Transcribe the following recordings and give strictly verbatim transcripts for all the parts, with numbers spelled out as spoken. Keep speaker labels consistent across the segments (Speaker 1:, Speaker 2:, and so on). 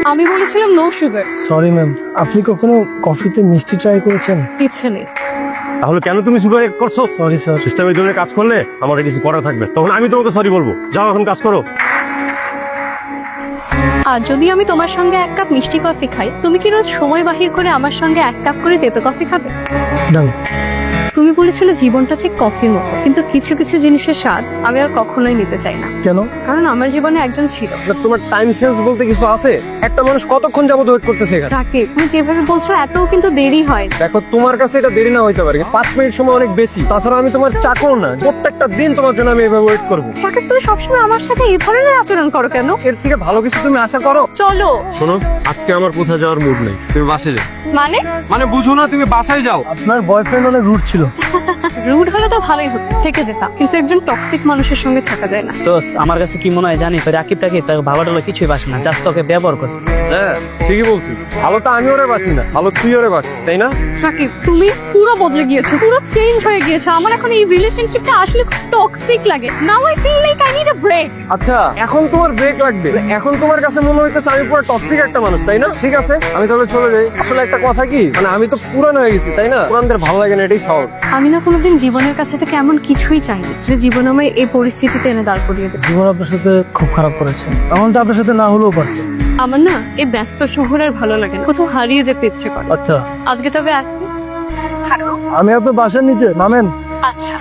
Speaker 1: আমি বলেছিলাম no sugar.
Speaker 2: Sorry ma'am, আপনি কখনো কফিতে মিষ্টি ট্রাই করেছেন?
Speaker 1: ইচ্ছে নেই।
Speaker 3: তাহলে কেন তুমি সুগার এড করছো?
Speaker 2: Sorry sir.
Speaker 3: সিস্টেম এই ধরনের কাজ করলে আমার কিছু করা থাকবে, তখন আমি তোমাকে সরি বলবো। যাও এখন কাজ করো।
Speaker 1: আর যদি আমি তোমার সঙ্গে এক কাপ মিষ্টি কফি খাই, তুমি কি রোজ সময় বাহির করে আমার সঙ্গে এক কাপ করে তেতো কফি খাবে?
Speaker 2: ডান।
Speaker 1: তুমি বলেছিলে জীবনটা ঠিক কফির মতো, কিন্তু কিছু কিছু জিনিসের স্বাদ আমি আর কখনোই নিতে চাই না।
Speaker 2: কেন?
Speaker 1: কারণ আমার জীবনে একজন ছিল।
Speaker 4: তোমার টাইম সেন্স বলতে কিছু আছে? একটা মানুষ কতক্ষণ যাবত ওয়েট করতেছে এখানে?
Speaker 1: তাকে তুমি যেভাবে বলছো এত কিন্তু দেরি হয় না।
Speaker 4: দেখো, তোমার কাছে এটা দেরি না হইতে পারে, কিন্তু পাঁচ মিনিট সময় অনেক বেশি। তাছাড়া আমি তোমার চাকর না, প্রত্যেকটা দিন তোমার জন্য আমি এভাবে ওয়েট করবো।
Speaker 1: তাকে তুমি সবসময় আমার সাথে এই ধরনের আচরণ করো কেন?
Speaker 4: এর থেকে ভালো কিছু তুমি আশা করো?
Speaker 1: চলো।
Speaker 4: শোনো, আজকে আমার কোথাও যাওয়ার মুড নেই, তুমি বাসায় যাও।
Speaker 1: মানে
Speaker 4: মানে বুঝো না, তুমি বাসায় যাও।
Speaker 2: আপনার বয়ফ্রেন্ড অনেক রুড ছিল।
Speaker 1: রুড হলে তো ভালোই হতো, থেকে যেতাম, কিন্তু একজন টক্সিক মানুষের সঙ্গে থাকা যায় না।
Speaker 5: দোস্ত, আমার কাছে কি মনে হয় জানিস, ওই রাকিব টাকিব তাকে ভাবা টালা কিছুই বাসে না, জাস্ট তোকে ব্যবহার করতে।
Speaker 4: হ্যাঁ, ঠিকই বলছিস। ভালো তো আমি ওরে বাসি না, ভালো তুই ওরে বাসিস, তাই না?
Speaker 1: রাকিব, তুমি পুরো বদলে গিয়েছো, পুরো চেঞ্জ হয়ে গিয়েছো। আমার এখন এই রিলেশনশিপটা আসলে খুব টক্সিক লাগে। Now I feel like I need a break.
Speaker 4: আচ্ছা, এখন তোমার ব্রেক লাগবে? এখন তোমার কাছে মনে হইতেছে আমি পুরো টক্সিক একটা মানুষ, তাই না? ঠিক আছে, আমি তাহলে চলে যাই। আসলে একটা কথা কি, মানে আমি তো পুরান হয়ে গেছি, তাই না? পুরানদের ভালো লাগে না, এটাই স্বাভাবিক।
Speaker 1: আমি না কোনোদিন জীবনের কাছে থেকে এমন কিছুই চাইনি যে জীবন আমায় এই পরিস্থিতিতে এনে দাঁড় করিয়ে দেবে।
Speaker 2: জীবন আপনার সাথে খুব খারাপ করেছে, এমনটা আপনার সাথে না হলেও পারত।
Speaker 1: আমার না এই ব্যস্ত শহর আর ভালো লাগে না, কোথাও হারিয়ে যেতে ইচ্ছে করে।
Speaker 2: আচ্ছা,
Speaker 1: আজকে তবে এক- হ্যালো।
Speaker 2: আমি আপনার বাসার নিচে নামেন।
Speaker 1: আচ্ছা,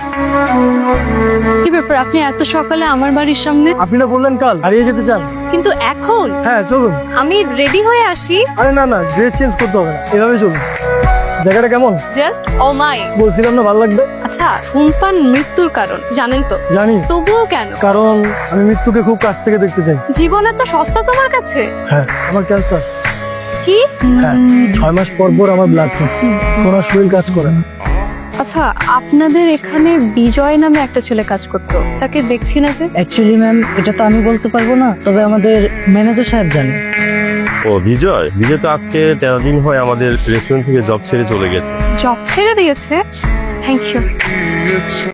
Speaker 1: কি ব্যাপার, আপনি এত সকালে আমার বাড়ির সামনে?
Speaker 2: আপনি না বললেন কাল হারিয়ে যেতে চান?
Speaker 1: কিন্তু এখন
Speaker 2: হ্যাঁ চলুন।
Speaker 1: আমি রেডি হয়ে আসি।
Speaker 2: আরে না না, ড্রেস চেঞ্জ করতে হবে না, এভাবে চলুন। জায়গাটা কেমন?
Speaker 1: Just oh my.
Speaker 2: বলছিলাম না ভালো লাগবে।
Speaker 1: আচ্ছা, ধূমপান মৃত্যুর কারণ জানেন তো?
Speaker 2: জানি,
Speaker 1: তবুও কেন?
Speaker 2: কারণ আমি মৃত্যুকে খুব কাছ থেকে দেখতে চাই।
Speaker 1: জীবন এত সস্তা তোমার কাছে?
Speaker 2: হ্যাঁ, আমার ক্যান্সার।
Speaker 1: কি?
Speaker 2: হ্যাঁ, ছয় মাস পর পর আমার ব্লাড টেস্ট, ওনার শরীর কাজ করে না।
Speaker 1: আচ্ছা, আপনাদের এখানে বিজয় নামে একটা ছেলে কাজ করতো, তাকে দেখছি না যে।
Speaker 5: অ্যাকচুয়ালি ম্যাম, এটা তো আমি বলতে পারবো না, তবে আমাদের ম্যানেজার সাহেব জানে।
Speaker 3: ও বিজয়, বিজয় তো আজকে তেরো দিন হয় আমাদের রেস্টুরেন্ট থেকে জব ছেড়ে চলে গেছে।
Speaker 1: জব ছেড়ে দিয়েছে? Thank you.